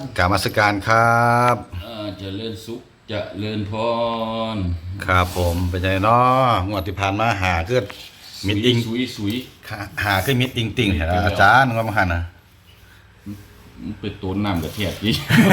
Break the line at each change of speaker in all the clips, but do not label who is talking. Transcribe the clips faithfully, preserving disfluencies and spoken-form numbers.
กราบนมัสการครับ
อ่าเจริญสุขเจริญพร
ครับผมเป็นไงเนาะงวดที่ผ่านมาหาเกิดมิดอิง
สุยสุย
หาเกิดมิดอิงติ่งเห็นอาจารย์ว่ามาหันนะ
มันเป็นตัวน้ำกระเทียมดิ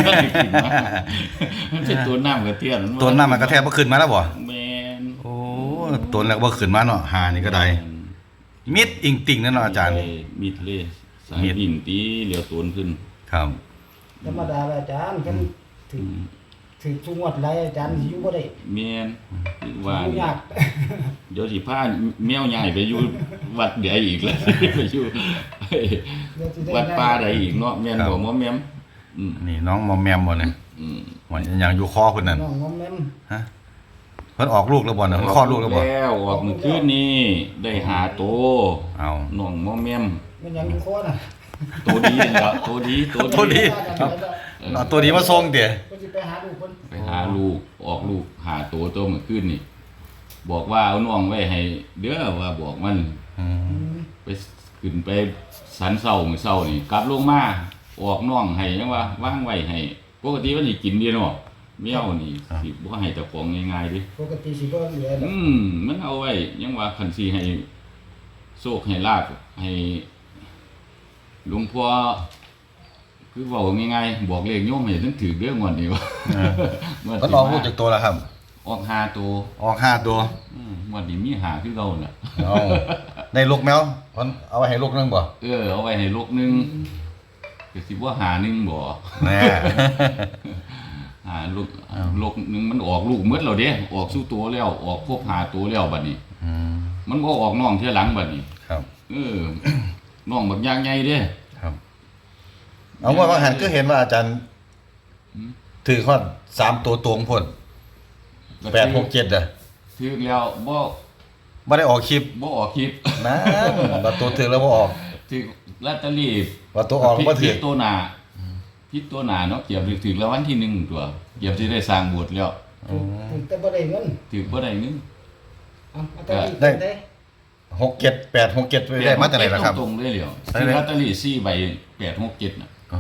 มันเป็นตัวน้ำกระเทียม
ตัวน้ำมันกระแทกบ่ขึ้นมาแล้วบ่
แมน
โอ้ตัวแล้วบ่ขึ้นมาเนาะหานี่ก็ได้มิดอิงติ่งนั่นเนาะอาจารย์
มีทะเลสายดินตีเหลียวตัวขึ้น
ครับ
ธรรมดาอาจารย์กันถึงถึงทุกงวดไรอาจารย์สิอยู่บ่ได้
แมนว่า
อยู่ยาก
เดี๋ยวสิพาแมวใหญ่ไปอยู่วัดใดอีกแล้วไปอยู่วัดป่าใดอีกเนาะแม่นบ่มอมแม่ม
นี่น้องมอมแมมบ่เนี่ยหวยอย่างอยู่คอเพิ่นนั่น
น้องมอมแมม
ฮะเพิ่นออกลูกแล้วบ่เนี่ยเพิ่นคลอดลูกแล้วบ่
แล้วออกเมื่อคืนนี้ได้หาโต
เอา
น้องมอมแมม
มันยังอยู่คอน่ะ
โตดีแล้วโตดีโต
ดีเอาตัวนี้มาส่งเดี๋ยว
เพิ่นสิไปหาลูกเพิ่น
ไปหาลูกออกลูกหาโตโตเมื่อคืนนี่บอกว่าเอาน้องไว้ให้เด้อว่าบอกมันไปขึ้นไปสันเศร้ามื้อเศร้านี่กลับลงมาออกน้องให้จังว่าวางไว้ให้ปกติมันสิกินดีเนาะแมวนี่สิบ่ให้เจ้าของง่ายๆดิ
ปกติสิบ่เหลือ
อืมมันเอาไว้ยังว่าคันสิให้โชคให้ลาภให้หลวงพ่อคือเว้าง่ายๆบอกเลขโยมให้ถึงถูกเด้องวดนี้ว่า
เพิ่นออกลูกจากตัวแล้วครับ
ออกห้าตัว
ออกห้าตัว
อืมงวดนี้มีห้าคือเก่าน่ะ
เอ้าได้ลูกแมวเพิ่นเอาไว้ให้ลูกนึงบ่
เออเอาไว้ให้ลูกนึงก็สิบ่หานึงบ่
แน่
หาลูกลูกนึงมันออกลูกหมดแล้วเด้ออกสู่ตัวแล้วออกครบห้าตัวแล้วบัดนี้
อืม
มันบ่ออกน้องเทื่อหลังบัดนี้
ครับ
เออน้องบักอย่างใหญ่เด้
ครับเอาว่าบางหันก็เห็นว่าอาจารย์ถือฮอดสามตัวตวงพุ่นแปด หก เจ็ดอ่ะ
ถือแล้วบ่
บ่ได้ออกคลิป
บ่ออกคลิป
นะว่าตัวถือแล้วบ่ออก
ถือลอตเตอรี่
ว่าตัวออกบ่ถือ
ตัวหน้าผิดตัวหน้าเนาะเกียบถือรางวัลที่หนึ่งตัวเกียบสิได้สร้างโบสถ์แล้ว
ถึงแต่บ่ได้เงิน
ถือบ่ได้เงิน
อ้าวอาจารย์ได้
หก เจ็ด แปด หก เจ็ดได้มาจากไหนล่ะครับ
ตรงๆเลยเหลียวซื้อลอตเตอรี่สี่ใบแปด หก เจ็ดน่ะ
อ๋อ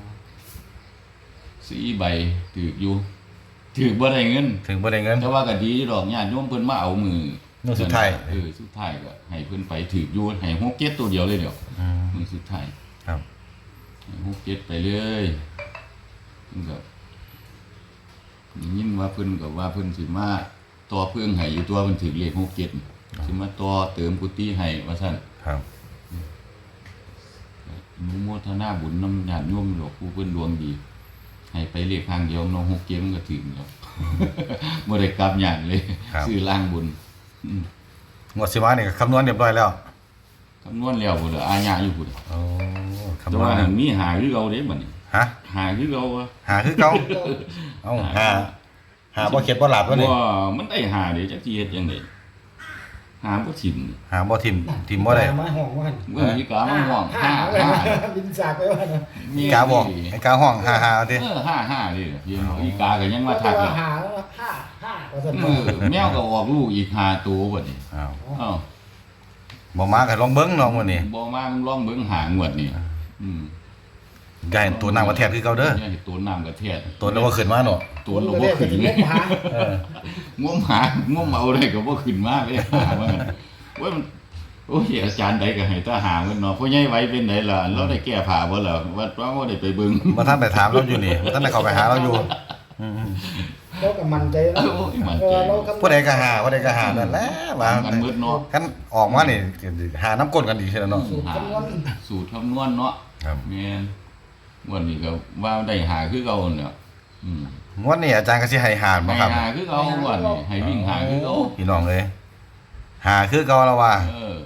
สี่ใบถืออยู่ถือบ่ได้เงิน
ถึงบ่ได้เงิน
แต่ว่าก็ดีดอกญาติโยมเพิ่นมาเอามือ
มื้อสุดท้าย
เออสุดท้ายก็ให้เพิ่นไปถืออยู่ให้หก เจ็ดตัวเดียวเลยเดี๋ยวมื้อสุดท้าย
ครับ
หก เจ็ดไปเลยมันก็ยินว่าเพิ่นก็ว่าเพิ่นสิมาต่อเพิ่งให้อยู่ตัวเพิ่นถือเลขหก เจ็ดสิมาต่อเติมกุฏิให้ว่าซั่น
ครับ
อนุโมทนาบุญนำญาติโยมหลวงปู่เพิ่นดวงดีให้ไปเลขทางเดียวน้องหกเจ็ดมันก็ถึงแล้วบ่ได้กลับหยังเลยซื้อล่างบุญ
งวดสิมานี่ก็คำนวณเรียบร้อยแล้ว
คำนวณแล้วพุ่นอาญาอยู่พุ่น
โอ้
คำนวณมีหาคือเก่าเด้บัดนี้
ฮะ
หาคือเก่า
หาคือเก่าเอ้าหาหาบ่เข็ดบ่หลับวะนี่
บ่มันได้หาเด้จักสิเฮ็ดจังได๋หาบ่ถิ่ม
หาบ่ถิ่มถิ่มบ่ได้
มาห้องว่าหั่น
เมื่อมีกามาห้องห้า
บินจากไปว่าน่ะ
มีกาบอกไอ้กาห้องห้าๆเอาติ
เออห้าห้าดิเห็นอีกาก็ยังมาทัก
เลยห้าห้าห้าว่าซั่น
เออแมวก็ออกลูกอีกห้าตัวบัดนี้
อ้าว
อ้าว
บ่มาก็ลองเบิ่งเนาะมื้อนี้
บ่มามึงลองเบิ่งหางวดนี่อืม
ใหญ่ตัวน้ำกระแทกคือเก่าเด้อ
ตัวน้ำกระแทก
ตัวแล้วบ่ขึ้นมาเนาะ
ตัวแล้วบ่ขึ้นงมหาเอองมหางมเอาได้ก็บ่ขึ้นมาเลยหาว่าว่ามันโอ้ยอาจารย์ใดก็ให้ตาหาเพิ่นเนาะพ่อใหญ่ไว้เป็นไดล่ะเราได้แก้ผ้าบ่ล่ะว่าว่าบ่ได้ไปเบิ่ง
บ่ทันไปถามเราอยู่นี่บ่ทันได้เข้าไปหาเราอยู่
อืมเราก็มั่นใจแล้ว
ผู้ใดก็หาผู้ใดก็หานั่นแหละว่า
มันมืดเนาะ
คันออกมานี่หาน้ำก้นกันอีกแล้วเนาะ
สูตรคำนวณสูตรคำนวณเนาะ
ครับ
แม่นวันนี้ก็ว่าได้หาคือเก่าเนี่ยอืม
งวดนี้อาจารย์ก็สิให้หาบ่ครับ
หาคือเก่าวันนี้ให้วิ่งหาคือเก่า
พี่น้องเอ้ยหาคือเก่าแล้วว่า
เออ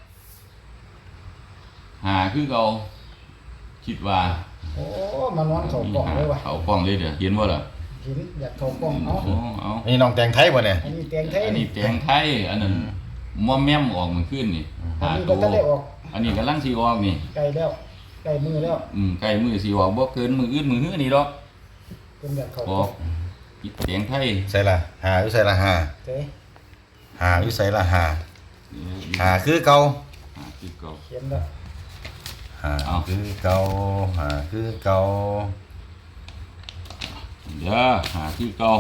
หาคือเก่าคิดว่า
โอ้มานอนเข้ากล่องเลยว่ะ
เข้ากล่องเลยเด้อเห็นบ่ล่ะ
เห็นอยากเข้ากล่องเนาะ
เอา
นี่น้องแตงไทยบ่เนี่ย
อันนี้แตงไทย
อันนี้แตงไทยอันนั้นมอมแม่มออกมื้อคืนนี่
หาตัวอันนี้ก็ได้ออก
อันนี้กำลังสิออกนี่
ใกล้แล้วใกล้มือแล้ว
อืมใกล้มือสิออกบ่เกินมื้ออื่นมื้อฮื้อนี่ดอก
เพิ่นอยากเข้า
ออกอีแตงไทย
ใส่ล่ะหาอยู่ใส่ล่ะหา
เด้
หาอยู่ใส่ล่ะหาหาคือเก่า
หาคือเก่า
เขียนแล้ว
หาคือเก่าหาคือเก่า
เด้อหาที่เก่า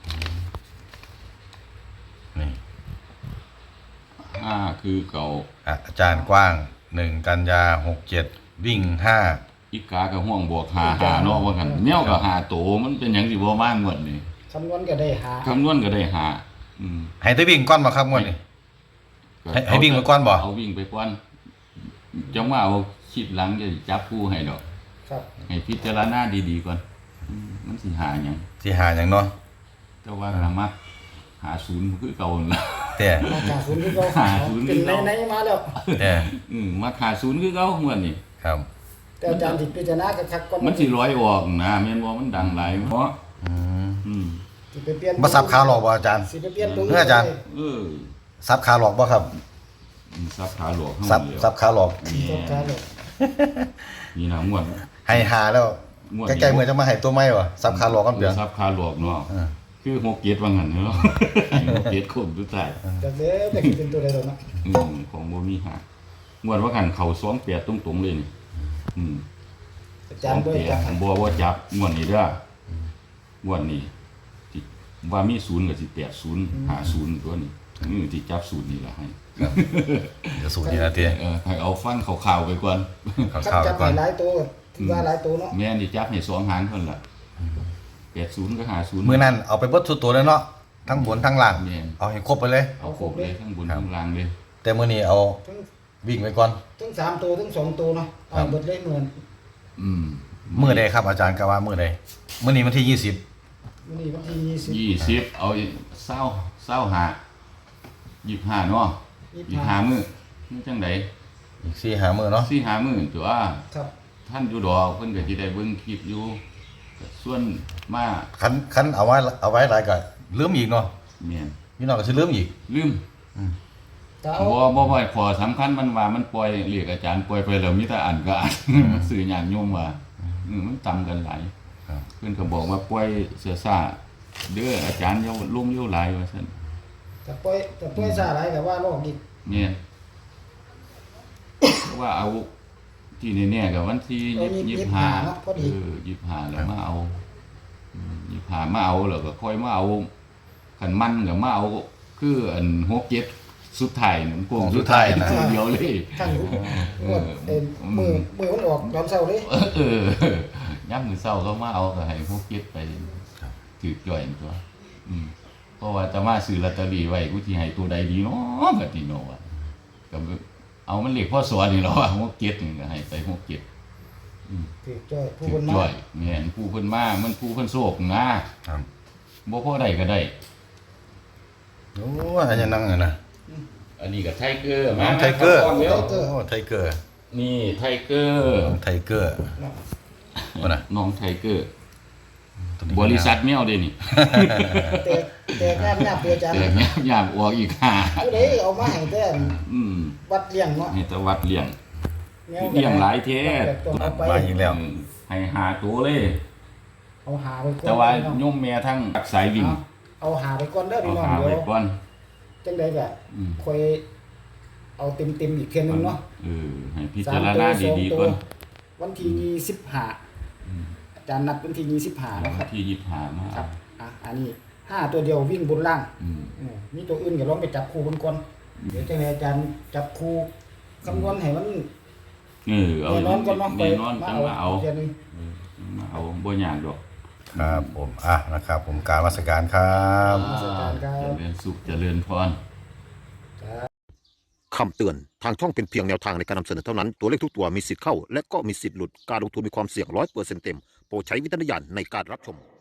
นี่
ห้าคือเก่า
อ่ะอาจารย์กว้างหนึ่งกันยาหกเจ็ดวิ่งห้า
อีกากับห่วงบวกหาหาเนาะว่ากันแนวกับหาโตมันเป็นหยังสิบ่มากงวดนี่
คำนวณก็ได้หา
คำนวณก็ได้หาอืม
ให้ได้วิ่งก้อนมาครับงวดนี้ ให้ให้วิ่งไปก่อนบ่
เอาวิ่งไปก่อนจังว่าเอาคิดหลังจะจับคู่ให้ดอก
ครับ
ให้พิจารณาดีๆก่อนอืมมันสิหาหยัง
สิหาอย่างเนาะ
แต่ว่าหามักหาศูนย์คือเก่านั่นล่ะ
แต่
มาจากศูนย์ที่เรา
หาศูนย์
เป็นในในมาแล้ว
แต่
อืมมาหาศูนย์คือเก่าม่วนนี่
ครับ
แต่อาจารย์ติดพิจารณากับคักก่อน
มันสิร้อยออกนะแม่นบ่มันดังหลายเพราะ
อืม
อืม
สิไปเปลี่ยน
บ่ซับขาหลอกบ่อาจารย์
สิไปเปลี่ยนตัว
เพื่ออาจารย์
เออ
ซับขาหลอกบ่ครับ
ซับขาหลวกข้าง
ซับ
เดียว
ซับขาหลอก
ซับขาหลอก
นี่นะม่วน
ให้หาแล้ว
งวด
ใกล้ๆเมื่อจะมาให้ตัวใหม่บ่ซับขาหลอกกันเปลี่ยน
ซับขาหลวกเนาะ
เออ
คือหกเกียรติว่างั้นเนาะหกเกียรติคมทุกท่าย
จากเด้อแต่สิเป็นตัวใดดอกเนาะ
อืมของบ่มีหางวดว่ากันเข้าสองแปดตรงๆเลยนี่อืม
อาจารย์บ่
สอง
จับ
แปดบ่บ่จับงวดนี้เด้องวดนี้ที่ว่ามีศูนย์ก็สิแปดศูนย์หาศูนย์ตัวนี้นี่ที่จับศูนย์นี่ล่ะให้
เดี๋ยวสูตรนี้นะเตี้ย
เออให้เอาฟังข่าวๆไปก่อน
ข่าว
คัด
ข่าว
จับ
ก่อน
ให้หลายตัวถือว่าหลายตัวเนาะ
แม่นสิจับให้สองหางเพิ่นล่ะแปดศูนย์ก็หาศูนย์
มื้อนั้นเอาไปเบิดทุกตัวเลยเนาะทั้งบนทั้งล่าง
แม่น
เอาให้ครบไปเลย
เอาครบเลยทั้งบนทั้งล่างเลย
แต่มื้อนี้เอา
ทั้ง
วิ่งไปก่อน
ทั้งสามตัวทั้งสองตัวเนาะเอาหมดเลยเหมือน
อืม
มื้อใดครับอาจารย์ก็ว่ามื้อใดมื้อนี้วันที่ยี่สิบ
วันนี้วันที่ยี่สิบ
ยี่สิบเอาเศร้าเศร้าหายี่สิบห้าเนาะ
ยี่
ยี่
สิ
สิ
บบ ห้า
ห้ามื้อมื้อจังได
อีกสี่หามื้อเนาะ
สี่ห้ามื้อตัว
ครับ
ท่านอยู่ดอกเพิ่นก็สิได้เบิ่งคลิปอยู่ก็ส่วนมา
คันคันเอาไว้เอาไว้หลายก็ลืมอีกเนาะ
แม่น
พี่น้องก็สิลืมอีก
ลืม
ถ้าเอา
บ่บ่บ่ขอสำคัญมันว่ามันปล่อยเรียกอาจารย์ปล่อยไปแล้วมีแต่อ่านก็อ่านมันสื่อญาติโยมว่าอืมมันต่ำกันหลาย
ครับ
เพิ่นก็บอกว่าปล่อยเสือซ่าเด้ออาจารย์อย่าลงอยู่หลายว่าซั่น
แต่ปล่อยแต่ปล่อยซาหลายก็ว่าโลกอีก
เนี่ยเพราะว่าเอาที่แน่ๆกับวันที่
เอายี่
ยี่
สิ
สิ
บบ ห้า
ห้า
เนาะพอดี
เออยี่สิบห้าแล้วมาเอาอืมยี่สิบห้ามาเอาแล้วก็ค่อยมาเอาขันมันก็มาเอาคืออันหกเจ็ดสุดท้ายนั่นโกงสุดท้ายตัวเดียวเลย
ทั้งหมดเอ็นมือมือมันออกตอนเช้าเลย
เออย่ำมือเศร้าก็มาเอาก็ให้หกเจ็ดไปถือจ่อยตัวอืมเพราะว่าจะมาซื้อลอตเตอรี่ไว้กูสิให้ตัวใดดีเนาะบัดนี้เนาะว่าก็เอามันเลขพ่อสอนนี่เนาะว่าหกเจ็ดนี่ก็ให้ไปหกเจ็ด
ถือจ้อยผู้
ถื
ค
อน
มา
จ่อยแม่นผู้เพิ่นมามันผู้เพิ่นโศกนะครับ บ่พอได้ก็ได้
โอ้อันนี้นั่งอะนะ
อันนี้ก็ไทเกอร์
น้องไทเกอร์
มา
โอ้
ข้าก่อนเร็ว
ไทเกอร์
นี่ไทเกอร์
น้องไทเกอร์ว่าน่ะ
น้องไทเกอร์
ตัวนี้
บริษัทแมวเด้นี่
แต่แต่งานงานเปอาจารย์
แต่แมวยามออกอีกหา
ผู้ใดเอามาให้แต่
อืม
วัดเลี้ยงเนาะ
ให้แตะวัดเลี้ยง
แนว
เลี้ยงหลายเท่
ต้องเอาไป
มาอีกแล้ว
อืมให้หาตัวเลย
เอาหาไปก่อน
แต่ว่า
พี่น้อง
โยมแม่ทั้งสายวิ่ง
เอาหาไปก่อนเด้อ
เอา
พี่น้อง
หา
เดี๋
ไว้
ยว
ก่อน
จังได๋ก็
อืม
ค่อยเอาเต็มๆอีกเทื่อนึงเนาะ
เออให้พิจารณาดีๆก่อน
วันที่ยี่สิบห้าอาจารย์นัดวันที่ยี่สิบห้า
วั
นะ
น
ครับ
ที่ยี่สิบห้ามา
ครับอ่ะอันนี้ห้าตัวเดียววิ่งบนล่าง
อืม
อืมมีตัวอื่นก็ลองไปจับคู่เบิ่งก่อนเดี๋ยวจังได๋อาจารย์จับคู่คำนวณให้มัน
เออเอา
แน่นอนก่อนเนาะ
แน่นอนจังมาเอา
เทื่อนึง
เออมาเอาบ่ยากดอก
ครับผมอ่ะนะครับ ผมกรารวัสการครับ
นมัสการครับ
เจริญสุขเจริญพร
คำเตือน ทางช่องเป็นเพียงแนวทางในการนำเสนอเท่านั้น ตัวเลขทุกตัวมีสิทธิ์เข้า และก็มีสิทธิ์หลุด การลงทุนมีความเสี่ยงร้อยเปอร์เซ็นต์เต็ม โปรดใช้วิจารณญาณในการรับชม